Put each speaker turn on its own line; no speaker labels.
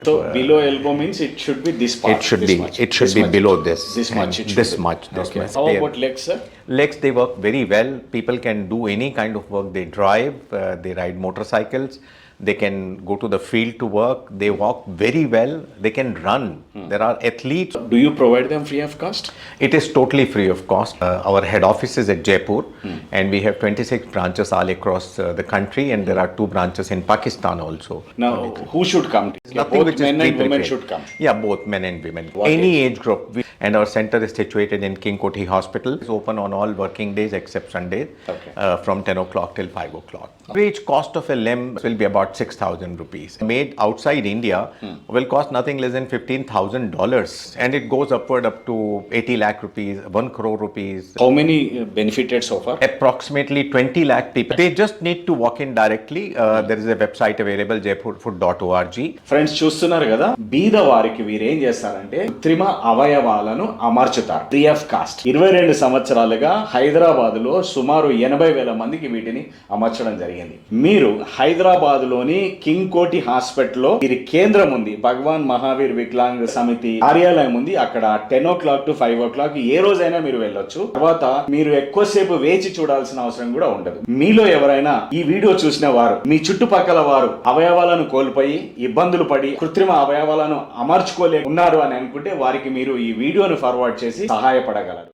So below elbow means it should be this part.
It should
this
be.
much,
It should
this
be
much.
below this.
This much.
and
It should
This
be.
much. This
Okay.
much.
How
They-
about legs, sir?
Legs, they work very well. People can do any kind of work. They drive, they ride motorcycles, they can go to the field to work, they walk very well, they can run. There are athletes.
Do you provide them free of cost?
It is totally free of cost. Our head office is at Jaipur, and we have 26 branches all across the country, and there are 2 branches in Pakistan also.
Now, who should come?
Nothing
Both
which is
men and women
pre-prepared.
should come.
Yeah, both men and women.
What
Any age group. And our center is situated in King Koti Hospital. It's open on all working days except Sundays,
Okay.
from 10 o'clock till 5 o'clock. Average cost of a limb will be about 6,000 rupees. Made outside India will cost nothing less than $15,000, and it goes upward up to 80 lakh rupees, 1 crore rupees.
How many benefited so far?
Approximately 20 lakh people. They just need to walk in directly. There is a website available, jaipurfoot.org.
Friends చూస్తున్నారు కదా, బీద వారికి వీరేం చేస్తారంటే కృత్రిమ అవయవాలను అమర్చుతారు free of cost. 22 సంవత్సరాలుగా హైదరాబాద్ లో సుమారు 80,000 మందికి వీటిని అమర్చడం జరిగింది. మీరు హైదరాబాద్ లోని కింగ్ కోటి హాస్పిటల్ లో వీరి కేంద్రం ఉంది, భగవాన్ మహావీర్ వికలాంగ్ సమితి కార్యాలయం ఉంది. అక్కడ 10 o'clock to 5 o'clock ఏ రోజైనా మీరు వెళ్ళొచ్చు. తర్వాత మీరు ఎక్కువసేపు వేచి చూడాల్సిన అవసరం కూడా ఉండదు. మీలో ఎవరైనా ఈ వీడియో చూసిన వారు, మీ చుట్టుపక్కల వారు అవయవాలను కోల్పోయి ఇబ్బందులు పడి కృత్రిమ అవయవాలను అమర్చుకోలే ఉన్నారు అని అనుకుంటే వారికి మీరు ఈ వీడియోను ఫార్వర్డ్ చేసి సహాయపడగలరు.